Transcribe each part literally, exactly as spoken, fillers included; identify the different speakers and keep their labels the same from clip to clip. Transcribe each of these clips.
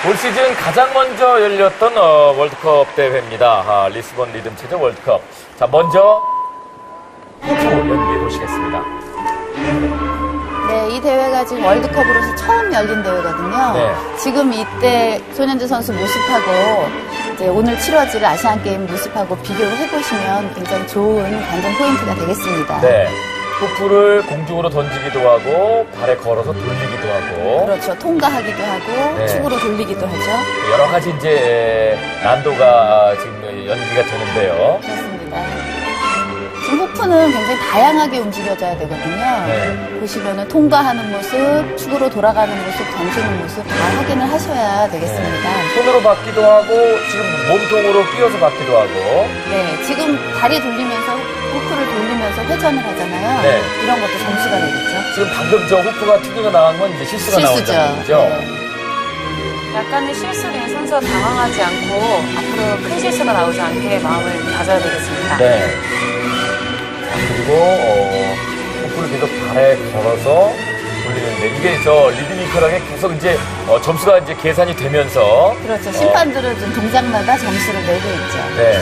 Speaker 1: 올 시즌 가장 먼저 열렸던 어, 월드컵 대회입니다. 아, 리스본 리듬체조 월드컵. 자, 먼저 호프 연기해 보시겠습니다.
Speaker 2: 네, 이 대회가 지금 월드컵으로서 처음 열린 대회거든요.
Speaker 1: 네.
Speaker 2: 지금 이때 손현주 선수 모습하고 이제 오늘 치러질 아시안 게임 모습하고 비교를 해보시면 굉장히 좋은 관전 포인트가 되겠습니다.
Speaker 1: 네. 호프를 공중으로 던지기도 하고 발에 걸어서 돌리기도 하고
Speaker 2: 그렇죠. 통과하기도 하고
Speaker 1: 네.
Speaker 2: 축으로 돌리기도 하죠.
Speaker 1: 여러 가지 이제 난도가 지금 연기가 되는데요.
Speaker 2: 그렇습니다. 지금 호프는 굉장히 다양하게 움직여져야 되거든요.
Speaker 1: 네.
Speaker 2: 보시면은 통과하는 모습, 축으로 돌아가는 모습, 던지는 모습 다 확인을 하셔야 되겠습니다.
Speaker 1: 네. 손으로 받기도 하고 지금 몸통으로 끼워서 받기도 하고
Speaker 2: 네, 지금 다리 돌리면서 호프를 돌리면서 회전을 하잖아요.
Speaker 1: 네.
Speaker 2: 이런 것도 점수가 되겠죠.
Speaker 1: 지금 방금 저 호프가 튕겨가 나간 건 이제 실수가
Speaker 2: 실수죠.
Speaker 1: 나온 점이죠.
Speaker 2: 네.
Speaker 3: 약간의 실수로 인해서 당황하지 않고 앞으로 큰 실수가 나오지 않게 마음을 다져야 되겠습니다.
Speaker 1: 네. 자, 그리고 어, 호프를 계속 발에 걸어서 돌리는데 이게 저 리드미컬하게 계속 이제 어, 점수가 이제 계산이 되면서
Speaker 2: 그렇죠. 심판들은 좀 동작마다 점수를 내고 있죠.
Speaker 1: 네.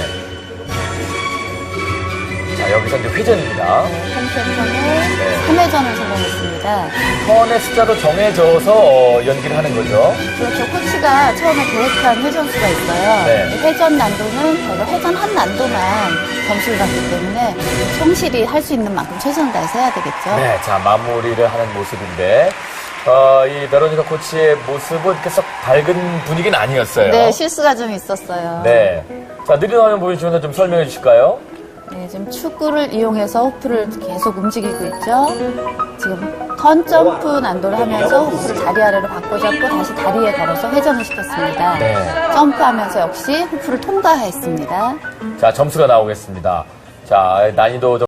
Speaker 1: 자, 여기서 이제 회전입니다.
Speaker 2: 네, 한 세션에
Speaker 1: 네.
Speaker 2: 삼 회전을 성공했습니다.
Speaker 1: 턴의 숫자도 정해져서 어, 연기를 하는 거죠.
Speaker 2: 그렇죠. 코치가 처음에 계획한 회전수가 있어요.
Speaker 1: 네.
Speaker 2: 회전 난도는 저희가 회전 한 난도만 점수를 받기 때문에 성실히 할 수 있는 만큼 최선을 다해서 해야 되겠죠.
Speaker 1: 네, 자, 마무리를 하는 모습인데, 어, 이 베로니카 코치의 모습은 이렇게 썩 밝은 분위기는 아니었어요.
Speaker 2: 네, 실수가 좀 있었어요.
Speaker 1: 네. 자, 느린 화면 보여주셔서 좀 설명해 주실까요?
Speaker 2: 네, 지금 축구를 이용해서 호프를 계속 움직이고 있죠. 지금 턴 점프 난도를 하면서 호프를 다리 아래로 바꿔 잡고 다시 다리에 걸어서 회전을 시켰습니다.
Speaker 1: 네.
Speaker 2: 점프하면서 역시 호프를 통과했습니다.
Speaker 1: 자, 점수가 나오겠습니다. 자, 난이도 좀